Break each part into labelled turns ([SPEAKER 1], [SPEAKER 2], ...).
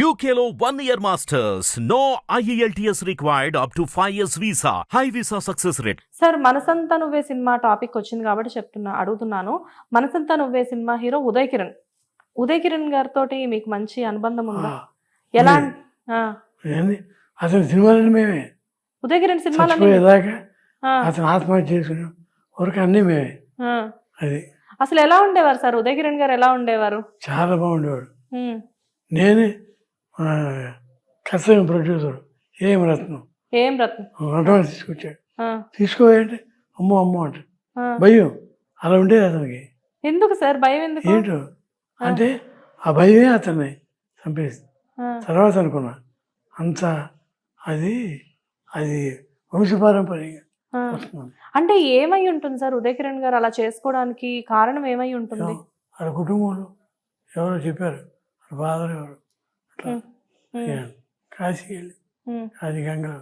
[SPEAKER 1] UKLO 1 year masters. No IELTS required up to 5 years visa. High visa success rate.
[SPEAKER 2] Sir మనసంతా నువ్వే cinema topic వచ్చింది కాబట్టి అడుగుతున్నాను. మనసంతా నువ్వే సినిమా హీరో ఉదయ్ కిరణ్ గారితో మీకు మంచి అనుబంధం ఉందా? ఎలా?
[SPEAKER 3] అతని సినిమాలని మేమే,
[SPEAKER 2] ఉదయ్ కిరణ్ సినిమాలు
[SPEAKER 3] అతను ఆత్మహత్య చేసుకున్న వరకు అన్నీ మేమే. అది
[SPEAKER 2] అసలు ఎలా ఉండేవారు సార్? ఉదయ్ కిరణ్ గారు ఎలా ఉండేవారు?
[SPEAKER 3] చాలా బాగుండేవాడు. నేనే కర్తవ్యం ప్రొడ్యూసర్ ఏం రత్నం అడ్వాన్స్ తీసుకొచ్చాడు. తీసుకోవాలంటే అమ్మో అంట భయం. అలా ఉండేది అతనికి.
[SPEAKER 2] ఎందుకు సార్ భయం? ఎందుకు?
[SPEAKER 3] ఏంటో అంటే ఆ భయమే అతన్ని చంపేసింది. తర్వాత అనుకున్నా అంత అది వంశపారంపర్యంగా వస్తుంది.
[SPEAKER 2] అంటే ఏమై ఉంటుంది సార్ ఉదయ్ కిరణ్ గారు అలా చేసుకోవడానికి కారణం ఏమై ఉంటుంది?
[SPEAKER 3] వాళ్ళ కుటుంబంలో ఎవరో చెప్పారు, ఫాదర్ ఎవరు అట్లా కాశీకి వెళ్ళి అది గంగలో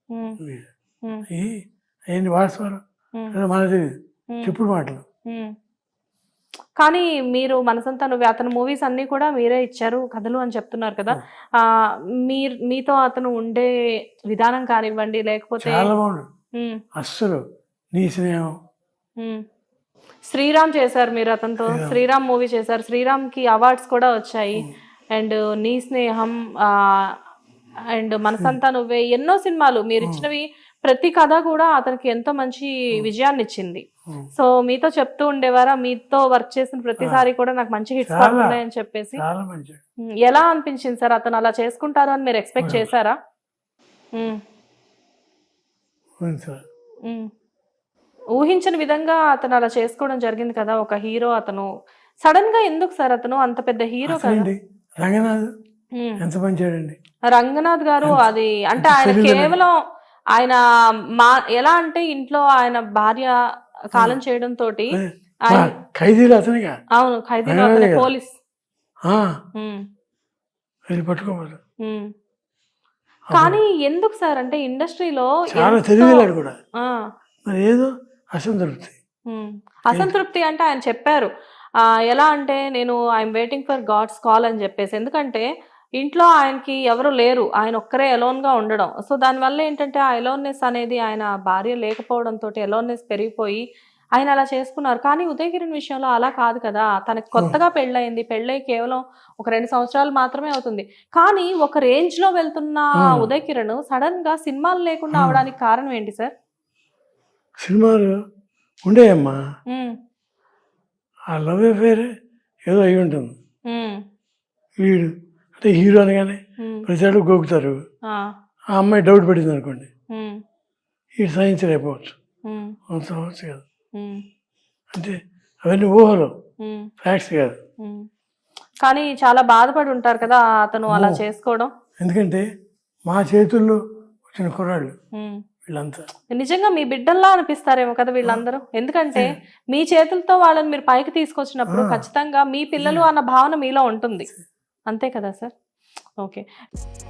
[SPEAKER 3] అయ్యింది వాస్తవాలు మనకు తెలియదు, చెప్పుడు మాటలు.
[SPEAKER 2] కానీ మీరు మనసంతా నువ్వే అతను మూవీస్ అన్ని కూడా మీరే ఇచ్చారు కథలు అని చెప్తున్నారు కదా. మీతో అతను ఉండే విధానం కానివ్వండి, లేకపోతే
[SPEAKER 3] చాలా బాగుండు. అస్సలు నీ స్నేహం.
[SPEAKER 2] శ్రీరామ్ చేశారు మీరు అతనితో, శ్రీరామ్ మూవీ చేశారు. శ్రీరామ్ కి అవార్డ్స్ కూడా వచ్చాయి. అండ్ నీ స్నేహం అండ్ మనసంతా నువ్వే ఎన్నో సినిమాలు మీరు ఇచ్చినవి. ప్రతి కథ కూడా అతనికి ఎంతో మంచి విజయాన్ని ఇచ్చింది. సో మీతో చెప్తూ ఉండేవారా, మీతో వర్క్ చేసిన ప్రతిసారి కూడా నాకు మంచి హిట్స్ పడుతున్నాయని చెప్పేసి? ఎలా అనిపించింది సార్ అతను అలా చేసుకుంటారు అని మీరు ఎక్స్పెక్ట్ చేశారా? ఊహించని విధంగా అతను అలా చేసుకోవడం జరిగింది కదా ఒక హీరో. అతను సడన్ గా ఎందుకు సార్ అతను అంత పెద్ద హీరో కదా? రంగనాథ్ గారు అది అంటే ఆయన కేవలం ఆయన ఎలా అంటే ఇంట్లో ఆయన భార్య కాలం చేయడం తోటి అవును ఖైదీలు అతనే పోలీస్ కానీ ఎందుకు సార్ అంటే ఇండస్ట్రీలో అసంతృప్తి అంటే ఆయన చెప్పారు ఎలా అంటే నేను I'm waiting for God's call అని చెప్పేసి. ఎందుకంటే ఇంట్లో ఆయనకి ఎవరు లేరు, ఆయన ఒక్కరే అలోన్గా ఉండడం. సో దానివల్ల ఏంటంటే ఆ అలోన్నెస్ అనేది ఆయన భార్య లేకపోవడంతో అలోన్నెస్ పెరిగిపోయి ఆయన అలా చేసుకున్నారు. కానీ ఉదయ్ కిరణ్ విషయంలో అలా కాదు కదా. తనకి కొత్తగా పెళ్ళయింది, పెళ్ళై కేవలం ఒక 2 సంవత్సరాలు మాత్రమే అవుతుంది. కానీ ఒక రేంజ్ లో వెళ్తున్న ఉదయ్ కిరణ్ సడన్ గా సినిమాలు లేకుండా అవడానికి కారణం ఏంటి సార్?
[SPEAKER 3] సినిమాలు ఉండేయమ్మా, ఆ లవ్ అఫేర్ ఏదో అయి ఉంటుంది. వీడు అంటే హీరో అనగానే ప్రతిసారి గోకుతారు. ఆ అమ్మాయి డౌట్ పడింది అనుకోండి, ఈ సైన్స్ అయిపోవచ్చు, అవచ్చు కాదు. అంటే అవన్నీ ఊహలు, ఫ్యాక్ట్స్ కాదు.
[SPEAKER 2] కానీ చాలా బాధపడి ఉంటారు కదా అతను అలా చేసుకోవడం.
[SPEAKER 3] ఎందుకంటే మా చేతుల్లో వచ్చిన కుర్రాళ్ళు వీళ్ళంతా
[SPEAKER 2] నిజంగా మీ బిడ్డల్లా అనిపిస్తారేమో కదా వీళ్ళందరూ. ఎందుకంటే మీ చేతులతో వాళ్ళని మీరు పైకి తీసుకొచ్చినప్పుడు ఖచ్చితంగా మీ పిల్లలు అన్న భావన మీలో ఉంటుంది. అంతే కదా సార్? ఓకే.